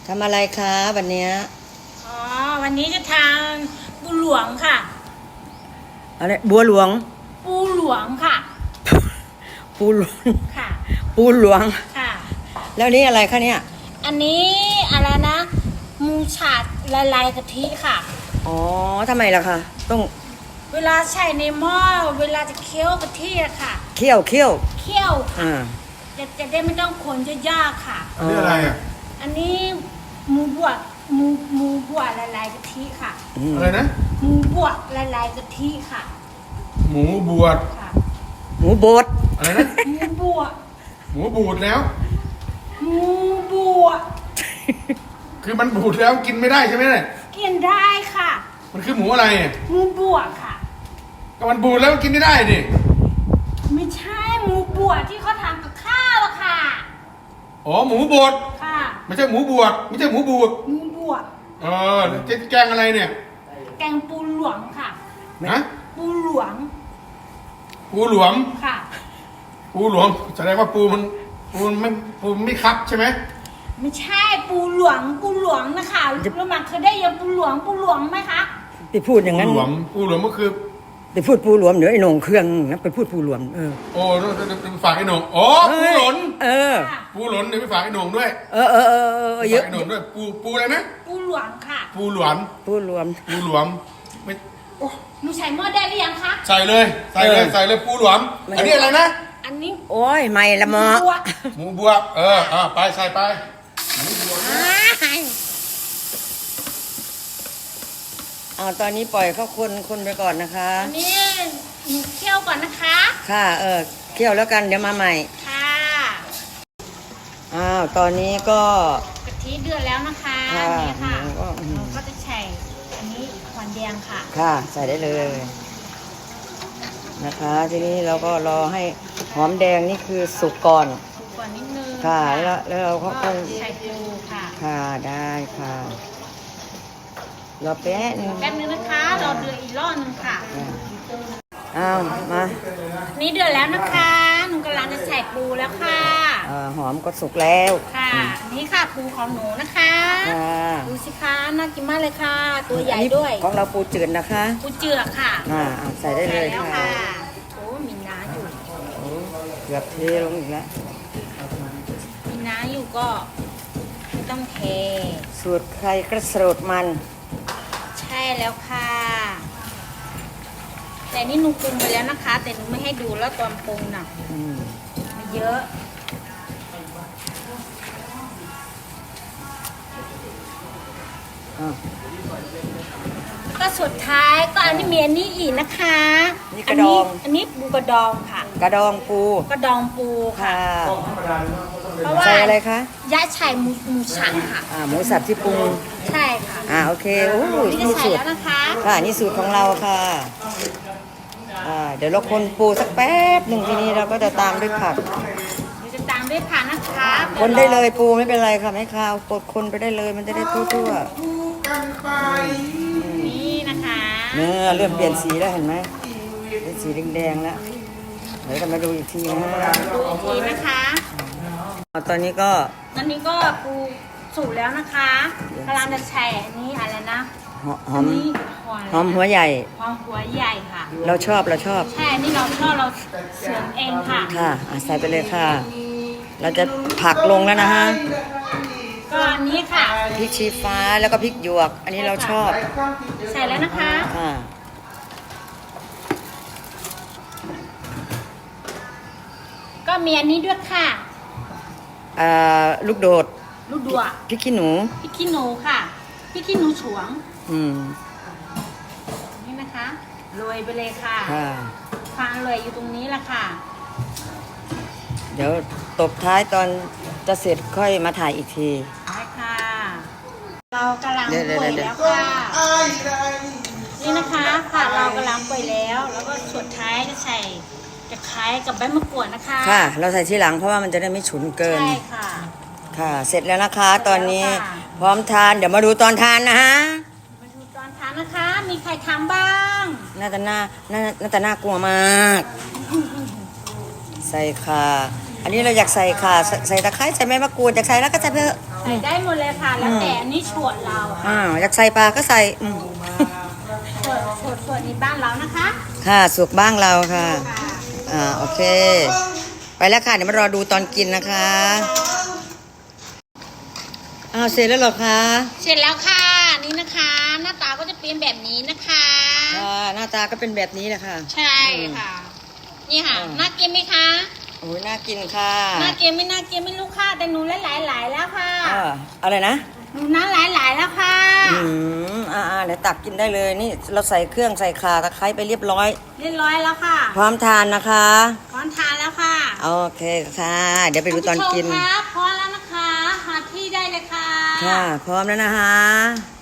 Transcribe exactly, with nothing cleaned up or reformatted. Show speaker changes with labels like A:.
A: ทำอะไรคะวันเนี้ย
B: อ๋อวันนี้จะทานปูหลวงค่ะ
A: อะไรบัวหลวง
B: ปูหลวงค่ะ
A: ปูหลวง
B: ค่ะ
A: ปูหลวง
B: ค่ะ
A: แล้วนี่อะไรคะเนี่ย
B: อันนี้อะไรนะหมูฉาดละลายกะทิค่ะ
A: อ๋อทำไมล่ะคะต้อง
B: เวลาใส่ในหม้อเวลาจะเคี่ยวกะทิอะค่ะ
A: เคี่ยวเคี่ยว
B: เคี่ยว
A: อ่า
B: จะจะได้ไม่ต้องคนจะยากค่ะ
C: อันนี้อะไรอ่ะ
B: อันนี้หมูบวชหมูหมูบวชละลายกะทิค่ะ
C: อะไรนะ
B: หมูบวชละลายกะทิค่ะ
C: หมูบวช
B: ค่ะ
A: หมูบด
C: อะไรนะ
B: หมูบวช
C: หมูบูดแล้ว
B: หมูบวช
C: คือมันบูดแล้วกินไม่ได้ใช่ไหมเนี่ย
B: กินได้ค่ะ
C: มันคือหมูอะไรอ่ะ
B: หมูบวชค่ะ
C: ก็มันบูดแล้วกินไม่ได้ดิ
B: ไม่ใช่หมูบวชที่เขาทำกับข้าวอะค่ะ
C: อ๋อหมูบด
B: ค่ะ
C: ไม่ใช่หมูบวชไม่ใช่หมูบูด
B: หมูบวช
C: เออจะแกงอะไรเนี่ย
B: แกงปูหลวงค่ะ
C: ฮะ
B: ปูหลวง
C: ปูหลวง
B: ค่ะ
C: ปูหลวงแสดงว่าปูมันปูมันไม่ปูมันไม่คับใช่ไหม
B: ไม่ใช่ปูหลวงปูหลวงนะคะรู้มาเคยได้ยินปูหลวงปูหลวงไหมคะ
A: ไปพูดอย่างนั้น
C: ปูหลวงปูหลวงก็คือ
A: ไปพูดปูหลวงเดี๋ยวไอ้หนงเครื่องนะไปพูดปูหลวงเออ
C: โอ้ฝากไอ้หนงอ๋อปูหลน
A: เออ
C: ปูหลนเดี๋ยวไปฝากไอ้หนงด้วย
A: เออเออเออเออเยอะ
C: ไอ้หนงด้วยปูปูอะไรนะ
B: ปูหลวงค่ะ
C: ปูหลวง
A: ปูหลวง
C: ปูหลวงไม่โอ้
B: หนูใส่หม้อได้หรือยังคะ
C: ใส่เลยใส่เลยใส่เลยปูหลวงอันนี้อะไรนะ
B: อันนี้
A: โอ้ยไม่ละหมอ
C: หมูบวบเอออ่าไปใส่ไปหมูบวบ
A: เอาตอนนี้ปล่อยเขาคนคนไปก่อนนะคะ
B: อันนี้หนูเคี่ยวก่อนนะคะ
A: ค่ะเออเคี่ยวแล้วกันเดี๋ยวมาใหม่
B: ค่ะ
A: อ้าวตอนนี้ก็
B: กะทิเดือดแล้วนะคะนี่ค่ะเราก็จะใส่อันนี้หวานแดงค่ะ
A: ค่ะใส่ได้เลยนะคะทีนี้เราก็รอให้หอมแดงนี่คือสุกก่อน
B: สุกก่อนนิดนึง
A: ค่ะแล้วแล้วเราก็ต้อง
B: ใส่ปูค่ะ
A: ค่ะได้ค่ะรอแป๊บนึง
B: แป๊บนึงนะคะเราเดือดอีกรอบนึงค่ะ
A: อ้าวมา
B: นี่เดือดแล้วนะคะหนูกำลังจะใส่ปูแล้วค่ะ
A: หอมก็สุกแล้ว
B: ค่ะนี่ค่ะปูของหนูนะคะดูสิคะน่ากินมากเลยค่ะตัวใหญ่ด้วย
A: ของเราปูจืดนะคะ
B: ปูเจือกค่ะ
A: อ่าใส่ได้เลยค่ะ
B: โอ้มีน้าอยู่
A: เกือบเทลงอีกแล้ว
B: มีน้าอยู่ก็ไม่ต้องเท
A: สูตรใครกระสูตรมัน
B: ใช่แล้วค่ะแต่นี่หนูปรุงไปแล้วนะคะแต่หนูไม่ให้ดูแล้วตอนปรุงน่ะไม่เยอะก็สุดท้ายก็อันนี้มีอันนี้อีกนะคะ
A: นี่กระดอง
B: อันนี้ปูกระดองค่ะ
A: กระดองปู
B: กระดองปูค่ะ
A: เพราะว่าใส่อะไรคะ
B: ย่าใส่หมูหมูสับค่ะ
A: อ่าหมูสับที่ปรุง
B: ใช่ค่ะ
A: อ่าโอเคโอ้
B: นี่สูตรแล้วนะคะ
A: ค่ะนี่สูตรของเราค่ะอ่าเดี๋ยวเราคนปูสักแป๊บหนึ่งทีนี้เราก็จะตามด้วยผัก
B: เราจะตามด้วยผักนะคะ
A: คนได้เลยปูไม่เป็นไรค่ะไม่คาวกดคนไปได้เลยมันจะได้ทั่ว
B: ๆนี่นะคะ
A: เนื้อเริ่มเปลี่ยนสีแล้วเห็นไหมเป็นสีแดงๆแล้วเดี๋ยวจะมาดูอีกทีนะ
B: ดูอีกทีนะคะ
A: ตอนนี้ก็
B: ตอนนี้ก็ปูสุกแล้วนะคะกำลังจะแช่อันนี้อะไรนะ
A: หอมหอมหัวใหญ่
B: หอมหัวใหญ่ค่ะ
A: เราชอบเราชอบ
B: ใช่นี่เราชอบเราเสริมเองค่ะ
A: ค่ะใส่ไปเลยค่ะเราจะผักลงแล้วนะฮะ
B: ก็อันนี้ค่ะ
A: พริกชี้ฟ้าแล้วก็พริกหยวกอันนี้เราชอบ
B: ใส่แล้วนะคะ
A: ค่ะ
B: ก็มีอันนี้ด้วยค่ะ
A: อ่าลูกโดด
B: ลูกดว
A: พริกขี้หนู
B: พริกขี้หนูค่ะพริกขี้หนูฉวง
A: อืม
B: นี่นะคะโรยไปเลยค่ะ
A: ค่ะ
B: ความอร่อยอยู่ตรงนี้แหละค่ะ
A: เดี๋ยวตบท้ายตอนจะเสร็จค่อยมาถ่ายอีกที
B: ได้ค่ะเรากำลังป่วยแล้วค่ะนี่นะคะค่ะเรากำลังป่วยแล้วแล้วก็สุดท้ายจะใส่จะคล้ายกับใบมะกรูดนะคะ
A: ค่ะเราใส่ทีหลังเพราะว่ามันจะได้ไม่ฉุนเกิน
B: ใช่ค่ะ
A: ค่ะเสร็จแล้วนะคะตอนนี้พร้อมทานเดี๋ยวมาดูตอนทานนะฮะ
B: มาดูตอนทานนะคะมีใครทำบ้าง
A: น่าจะน่าน่าน่าจะน่ากลัวมากใส่ค่ะอันนี้เราอยากใส่ค่ะใส่ตะไคร้ใส่ใบมะกรูดอยากใส่แล้วก็ใส่เถอะ
B: ส่ได้หมดเลยค่ะ แล้วแต่อันนี้ฉวดเรา
A: อ่าอยากใส่ปลาก็ใส่อืม
B: ฉวดฉวดฉวดในบ้านเรานะคะ
A: ค่ะสุกบ้างเราค่ะ
B: ค่ะ
A: อ่าโอเค ไปแล้วค่ะเดี๋ยวมารอดูตอนกินนะคะอ้าวเสร็จแล้วเหรอคะ
B: เสร็จแล้วค่ะนี่นะคะ หน้าตาก็จะเป็นแบบนี้นะคะ
A: อ่าหน้าตาก็เป็นแบบนี้แหละค่ะ
B: ใช่ค่ะ นี่ค่ะ
A: อืม
B: น่ากินไหมคะ
A: โอ้ยน่ากินค่ะ
B: น่ากินไม่น่ากินไม่รู้ค่ะแต่หนูหลายหลายๆแล้วค่ะ
A: อ่าอะไรนะ
B: หนูน้าหลายหลายๆแล้วค่ะ
A: อืมอ่าอ่าเดี๋ยวตักกินได้เลยนี่เราใส่เครื่องใส่ข่าตะไคร้ไปเรียบร้อย
B: เรียบร้อยแล้วค่ะ
A: พร้อมทานนะคะ
B: พร้อมทานแล้วค่ะ
A: โอเคค่ะ เดี๋ยวไปดูตอนกิน
B: ท่าผู้ชมคะพร้อมแล้วนะคะหาที่ได้เลยค่ะ
A: ค่ะ พร้อมแล้วนะคะ